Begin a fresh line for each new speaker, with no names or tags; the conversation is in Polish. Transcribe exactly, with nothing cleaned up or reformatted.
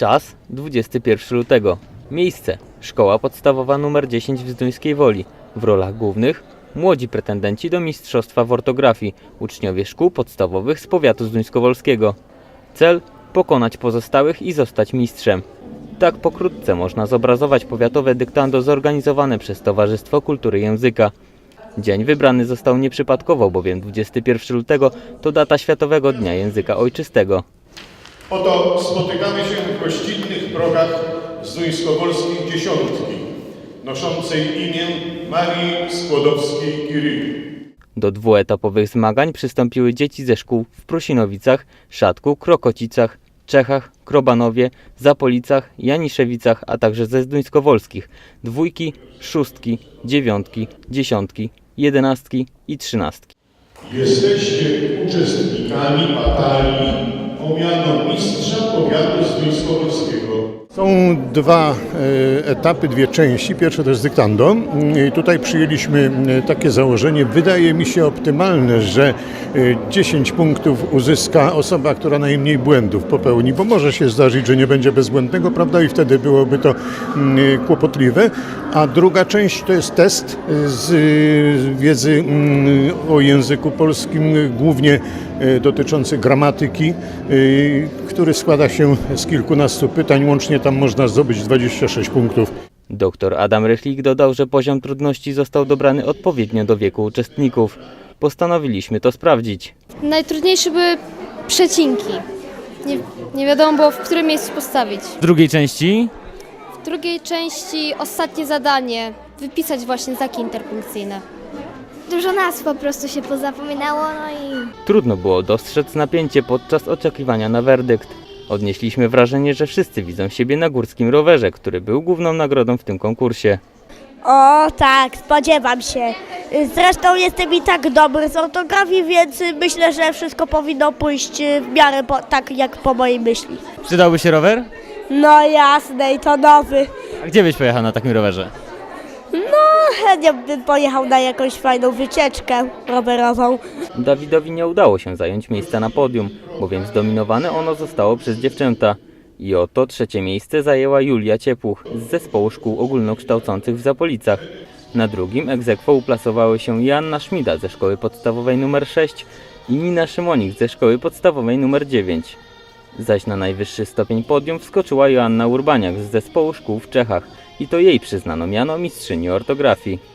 Czas dwudziestego pierwszego lutego. Miejsce Szkoła Podstawowa nr dziesięć w Zduńskiej Woli. W rolach głównych młodzi pretendenci do mistrzostwa w ortografii, uczniowie szkół podstawowych z powiatu zduńskowolskiego. Cel pokonać pozostałych i zostać mistrzem. Tak pokrótce można zobrazować powiatowe dyktando zorganizowane przez Towarzystwo Kultury Języka. Dzień wybrany został nieprzypadkowo, bowiem dwudziestego pierwszego lutego to data Światowego Dnia Języka Ojczystego.
Oto spotykamy się w gościnnych progach zduńskowolskiej dziesiątki, noszącej imię Marii Skłodowskiej-Curie.
Do dwuetapowych zmagań przystąpiły dzieci ze szkół w Prusinowicach, Szatku, Krokocicach, Czechach, Krobanowie, Zapolicach, Janiszewicach, a także ze zduńskowolskich dwójki, szóstki, dziewiątki, dziesiątki, jedenastki i trzynastki.
Jesteście uczestnikami batalii o miano mistrza powiatu zduńskowolskiego.
Są dwa e, etapy, dwie części. Pierwsze to jest dyktando. I tutaj przyjęliśmy e, takie założenie, wydaje mi się optymalne, że e, dziesięć punktów uzyska osoba, która najmniej błędów popełni, bo może się zdarzyć, że nie będzie bezbłędnego, prawda, i wtedy byłoby to m, kłopotliwe. A druga część to jest test z e, wiedzy m, o języku polskim, głównie e, dotyczący gramatyki, e, który składa się z kilkunastu pytań, łącznie tam można zdobyć dwadzieścia sześć punktów.
Doktor Adam Rychlik dodał, że poziom trudności został dobrany odpowiednio do wieku uczestników. Postanowiliśmy to sprawdzić.
Najtrudniejsze były przecinki. Nie, nie wiadomo było, w którym miejscu postawić.
W drugiej części
W drugiej części ostatnie zadanie, wypisać właśnie znaki interpunkcyjne.
Dużo nazw po prostu się pozapominało, no i...
trudno było dostrzec napięcie podczas oczekiwania na werdykt. Odnieśliśmy wrażenie, że wszyscy widzą siebie na górskim rowerze, który był główną nagrodą w tym konkursie.
O tak, spodziewam się. Zresztą jestem i tak dobry z ortografii, więc myślę, że wszystko powinno pójść w miarę po, tak jak po mojej myśli.
Przydałby się rower?
No jasne, i to nowy.
A gdzie byś pojechał na takim rowerze?
No, chętnie bym pojechał na jakąś fajną wycieczkę rowerową.
Dawidowi nie udało się zająć miejsca na podium, bowiem zdominowane ono zostało przez dziewczęta. I oto trzecie miejsce zajęła Julia Ciepłuch z zespołu szkół ogólnokształcących w Zapolicach. Na drugim ex aequo uplasowały się Joanna Szmida ze szkoły podstawowej nr sześć i Nina Szymonik ze szkoły podstawowej nr dziewięć. Zaś na najwyższy stopień podium wskoczyła Joanna Urbaniak z zespołu szkół w Czechach i to jej przyznano miano mistrzyni ortografii.